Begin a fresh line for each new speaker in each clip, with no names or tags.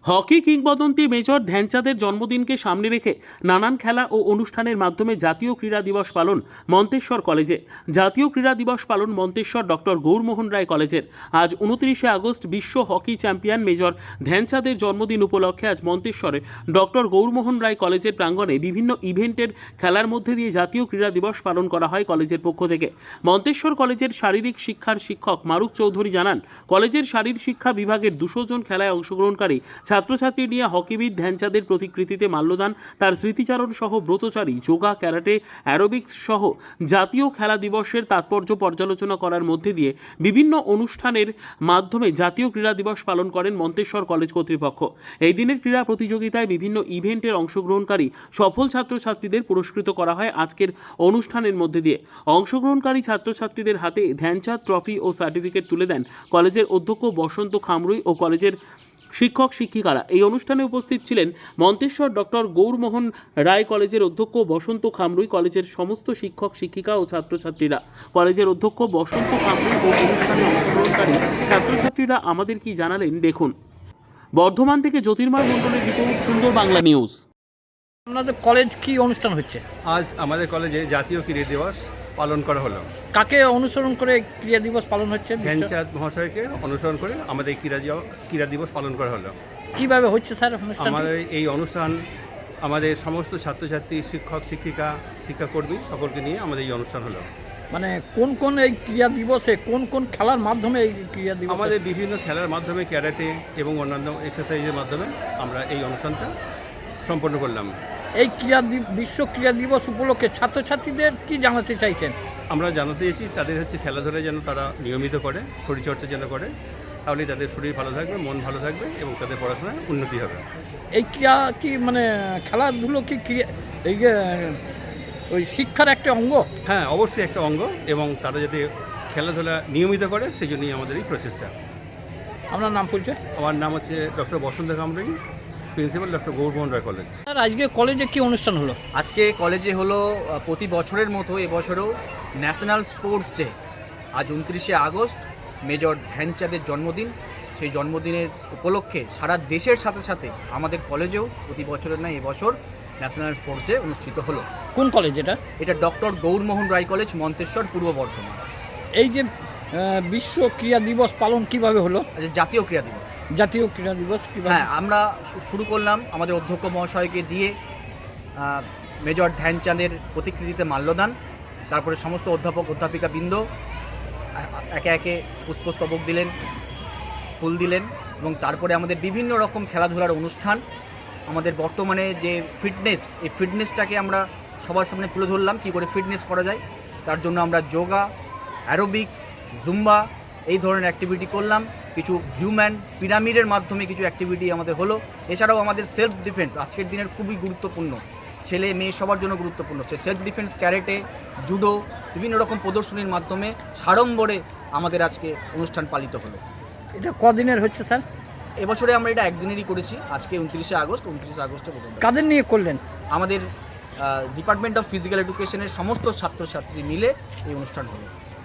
Hockey কিংবদন্তি major ধ্যানচাঁদের জন্মদিনকে সামনে রেখে নানান খেলা ও অনুষ্ঠানের মাধ্যমে জাতীয় ক্রীড়া দিবস পালন মন্তেশ্বর কলেজে। জাতীয় ক্রীড়া দিবস পালন মন্তেশ্বর ডক্টর গৌরমোহন রায় কলেজের। আজ 29শে আগস্ট বিশ্ব হকি চ্যাম্পিয়ন মেজর ধ্যানচাঁদের জন্মদিন উপলক্ষে আজ মন্তেশ্বরে ডক্টর গৌরমোহন রায় কলেজের প্রাঙ্গণে বিভিন্ন ইভেন্টের খেলার মধ্যে দিয়ে জাতীয় ক্রীড়া দিবস পালন করা হয় কলেজের পক্ষ থেকে। মন্তেশ্বর কলেজের শারীরিক শিক্ষার শিক্ষক মারুফ চৌধুরী জানান, কলেজের শারীর শিক্ষা বিভাগের 200 জন খেলায় অংশগ্রহণকারী ছাত্রছাত্রী নিয়ে হকিবিদ ধ্যানচাঁদের প্রতিকৃতিতে মাল্যদান, তার স্মৃতিচারণ সহ ব্রতচারী, যোগা, ক্যারাটে, অ্যারোবিক্স সহ জাতীয় খেলা দিবসের তাৎপর্য পর্যালোচনা করার মধ্যে দিয়ে বিভিন্ন অনুষ্ঠানের মাধ্যমে জাতীয় ক্রীড়া দিবস পালন করেন মন্তেশ্বর কলেজ কর্তৃপক্ষ। এই দিনের ক্রীড়া প্রতিযোগিতায় বিভিন্ন ইভেন্টের অংশগ্রহণকারী সফল ছাত্রছাত্রীদের পুরস্কৃত করা হয় আজকের অনুষ্ঠানের মধ্যে দিয়ে। অংশগ্রহণকারী ছাত্রছাত্রীদের হাতে ধ্যানচাঁদ ট্রফি ও সার্টিফিকেট তুলে দেন কলেজের অধ্যক্ষ বসন্ত খামরুই ও কলেজের শিক্ষক শিক্ষিকারা। এই অনুষ্ঠানে উপস্থিত ছিলেন মন্তেশ্বর ডক্টর গৌরমোহন রায় কলেজের অধ্যক্ষ বসন্ত খামরুই, কলেজের সমস্ত শিক্ষক শিক্ষিকা ও ছাত্রছাত্রীরা। কলেজের অধ্যক্ষ বসন্ত খামরুই ও অনুষ্ঠানে অংশগ্রহণকারী ছাত্রছাত্রীরা আমাদের কি জানালেন দেখুন। বর্ধমান থেকে জ্যোতির্ময় মণ্ডলের রিপোর্ট, সুন্দর বাংলা নিউজ।
আপনাদের কলেজ কি অনুষ্ঠান হচ্ছে?
আজ আমাদের কলেজে জাতীয় ক্রীড়া দিবস পালন করা হলো।
কাকে অনুসরণ করে ক্রীড়া দিবস পালন হচ্ছে?
ধ্যানচাঁদ মহাশয়কে অনুসরণ করে আমাদের ক্রীড়া দিবস পালন করা হলো।
কিভাবে হচ্ছে স্যার অনুষ্ঠান?
আমাদের এই অনুষ্ঠান আমাদের সমস্ত ছাত্রছাত্রী, শিক্ষক শিক্ষিকা, শিক্ষাকর্মী সকলকে নিয়ে আমাদের এই অনুষ্ঠান হলো।
মানে কোন কোন এই ক্রীড়া দিবসে কোন কোন খেলার মাধ্যমে এই ক্রীড়া দিবস?
আমাদের বিভিন্ন খেলার মাধ্যমে, ক্যারাটে এবং অন্যান্য এক্সারসাইজের মাধ্যমে আমরা এই অনুষ্ঠানটা সম্পন্ন করলাম।
এই বিশ্ব ক্রীড়া দিবস উপলক্ষে ছাত্রছাত্রীদের কি জানাতে চাইছেন?
আমরা জানাতে চাইছি তাদের খেলাধুলা যেন তারা নিয়মিত করে, শরীরচর্চা যেন করে, তাহলে তাদের শরীর ভালো থাকবে, মন ভালো থাকবে এবং তাদের পড়াশোনায় উন্নতি হবে।
এই ক্রীড়া কি মানে খেলাধুলো কি এই ওই শিক্ষার একটা অঙ্গ?
হ্যাঁ, অবশ্যই একটা অঙ্গ, এবং তারা যাতে খেলাধুলা নিয়মিত করে সেই জন্যই আমাদের এই প্রচেষ্টা।
আপনার নাম পরিচয়?
আমার নাম হচ্ছে doctor Basanta Khamrui, principal doctor Gourmohan Roy college.
Sir, আজকে কলেজে কি অনুষ্ঠান হলো?
আজকে কলেজে হলো প্রতি বছরের মতো এবছরও ন্যাশনাল স্পোর্টস ডে। আজ 29শে আগস্ট মেজর ধ্যানচাঁদের জন্মদিন। সেই জন্মদিনের উপলক্ষে সারা দেশের সাথে সাথে আমাদের কলেজেও প্রতি বছরের নয় এবছর ন্যাশনাল স্পোর্টস ডে অনুষ্ঠিত হলো।
কোন কলেজ এটা?
এটা ডক্টর গৌরমোহন রায় কলেজ, মন্তেশ্বর, পূর্ব বর্ধমান।
এই যে বিশ্ব ক্রীড়া দিবস পালন কিভাবে হলো?
আচ্ছা, জাতীয় ক্রীড়া দিবস।
জাতীয় ক্রীড়া দিবস কিভাবে?
হ্যাঁ, আমরা শুরু করলাম আমাদের অধ্যক্ষ মহাশয়কে দিয়ে মেজর ধ্যানচাঁদের প্রতিকৃতিতে মাল্যদান, তারপরে সমস্ত অধ্যাপক অধ্যাপিকা বৃন্দ একে একে পুষ্পস্তবক দিলেন, ফুল দিলেন, এবং তারপরে আমাদের বিভিন্ন রকম খেলাধুলার অনুষ্ঠান। আমাদের বর্তমানে যে ফিটনেস, এই ফিটনেসটাকে আমরা সবার সামনে তুলে ধরলাম, কী করে ফিটনেস করা যায়। তার জন্য আমরা যোগা, অ্যারোবিক্স, জুম্বা এই ধরনের অ্যাক্টিভিটি করলাম। কিছু হিউম্যান পিরামিডের মাধ্যমে কিছু অ্যাক্টিভিটি আমাদের হলো। এছাড়াও আমাদের সেলফ ডিফেন্স আজকের দিনের খুবই গুরুত্বপূর্ণ, ছেলে মেয়ে সবার জন্য গুরুত্বপূর্ণ। সে সেলফ ডিফেন্স, ক্যারেটে, জুডো বিভিন্ন রকম প্রদর্শনীর মাধ্যমে সাড়ম্বরে আমাদের আজকে অনুষ্ঠান পালিত হলো।
এটা কদিনের হচ্ছে স্যার?
এবছরে আমরা এটা একদিনেরই করেছি, আজকে 29শে আগস্ট। 29শে আগস্টে
কাদের নিয়ে করলেন?
আমাদের ডিপার্টমেন্ট অফ ফিজিক্যাল এডুকেশনের সমস্ত ছাত্রছাত্রী মিলে এই অনুষ্ঠান হলো।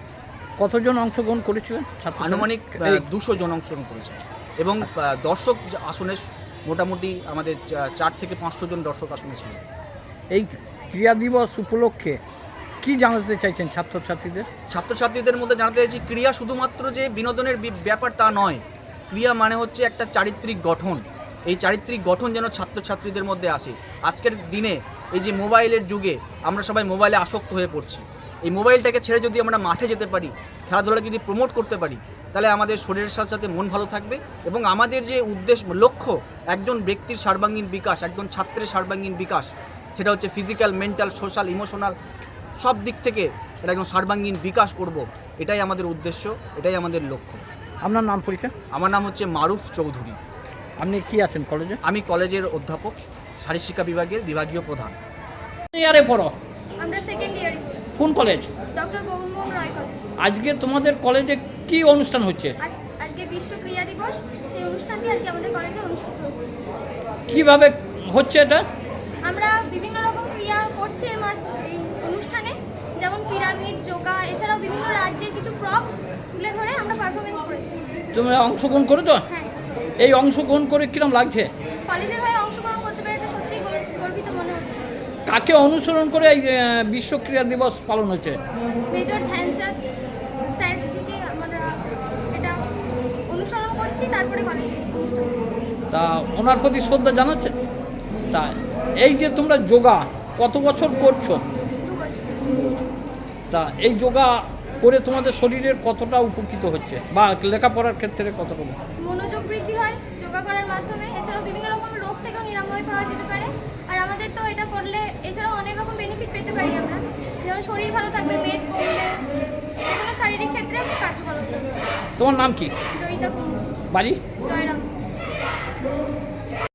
কতজন অংশগ্রহণ করেছিলেন?
আনুমানিক 200 জন অংশগ্রহণ করেছে, এবং দর্শক আসনে মোটামুটি আমাদের 4 থেকে 500 জন দর্শক আসনে ছিল।
এই ক্রীড়া দিবস উপলক্ষে কি জানাতে চাইছেন
ছাত্রছাত্রীদের মধ্যে জানাতে চাইছি, ক্রীড়া শুধুমাত্র যে বিনোদনের ব্যাপার তা নয়। ক্রীড়া মানে হচ্ছে একটা চারিত্রিক গঠন। এই চারিত্রিক গঠন যেন ছাত্রছাত্রীদের মধ্যে আসে। আজকের দিনে এই যে মোবাইলের যুগে আমরা সবাই মোবাইলে আসক্ত হয়ে পড়ছি। এই মোবাইলটাকে ছেড়ে যদি আমরা মাঠে যেতে পারি, খেলাধুলাকে যদি প্রমোট করতে পারি, তাহলে আমাদের শরীরের সাথে সাথে মন ভালো থাকবে, এবং আমাদের যে লক্ষ্য একজন ব্যক্তির সর্বাঙ্গীন বিকাশ, একজন ছাত্রের সর্বাঙ্গীন বিকাশ, সেটা হচ্ছে ফিজিক্যাল, মেন্টাল, সোশ্যাল, ইমোশনাল সব দিক থেকে এটা একদম সর্বাঙ্গীন বিকাশ করব। এটাই আমাদের উদ্দেশ্য, এটাই আমাদের লক্ষ্য।
আপনার নাম পরিচয়?
আমার নাম হচ্ছে মারুফ চৌধুরী।
আপনি কি আছেন কলেজে?
আমি কলেজের অধ্যাপক, শারীর শিক্ষা বিভাগের বিভাগীয় প্রধান।
ইয়ারে পড়ো?
আমরা সেকেন্ড ইয়ারে।
কোন college?
Doctor Gourmohan Roy college.
আজকে তোমাদের কলেজে কি অনুষ্ঠান হচ্ছে?
আজকে বিশ্ব ক্রীড়া দিবস, সেই অনুষ্ঠানটি আজকে আমাদের কলেজে অনুষ্ঠিত হচ্ছে।
কিভাবে হচ্ছে এটা?
আমরা বিভিন্ন রকম ক্রিয়া করছি এই অনুষ্ঠানে, যেমন পিরামিড, যোগা, এছাড়াও বিভিন্ন রাজ্যের কিছু প্রপস তুলে ধরে আমরা পারফরমেন্স করেছি।
তোমরা অংশগ্রহণ করেছো?
হ্যাঁ।
এই অংশগ্রহণ করে কিরম লাগছে?
কলেজের হয়ে অংশগ্রহণ করতে পেরে তো সত্যিই গর্বিত মনে হচ্ছে।
কাকে অনুসরণ করে এই বিশ্ব ক্রীড়া দিবস পালন হচ্ছে?
মেজর ধ্যানচাঁদ স্যারজিকে আমরা এটা অনুসরণ করছি, তারপরে কলেজে অনুষ্ঠান হচ্ছে।
তা ওনার প্রতি শ্রদ্ধা জানাচ্ছে। তা এই যে তোমরা যোগা কত বছর করছো?
2 বছর।
তা এই যোগা করে তোমাদের শরীরের কতটা উপকৃত হচ্ছে বা লেখাপড়ার ক্ষেত্রে কতটা?
মনোযোগ বৃদ্ধি হয় যোগা করার মাধ্যমে, এছাড়াও বিভিন্ন রকম রোগ থেকেও নিরাময় পাওয়া যেতে পারে। আর আমাদের তো এটা করলে এছাড়াও অনেক রকম বেনিফিট পেতে পারি আমরা, যেমন শরীর ভালো থাকবে, মেদ কমবে, যে কোনো শারীরিক ক্ষেত্রে কার্যকর হবে।
তোমার নাম কি?
জয়িতা কুমু,
বাড়ি?
জয়রাম।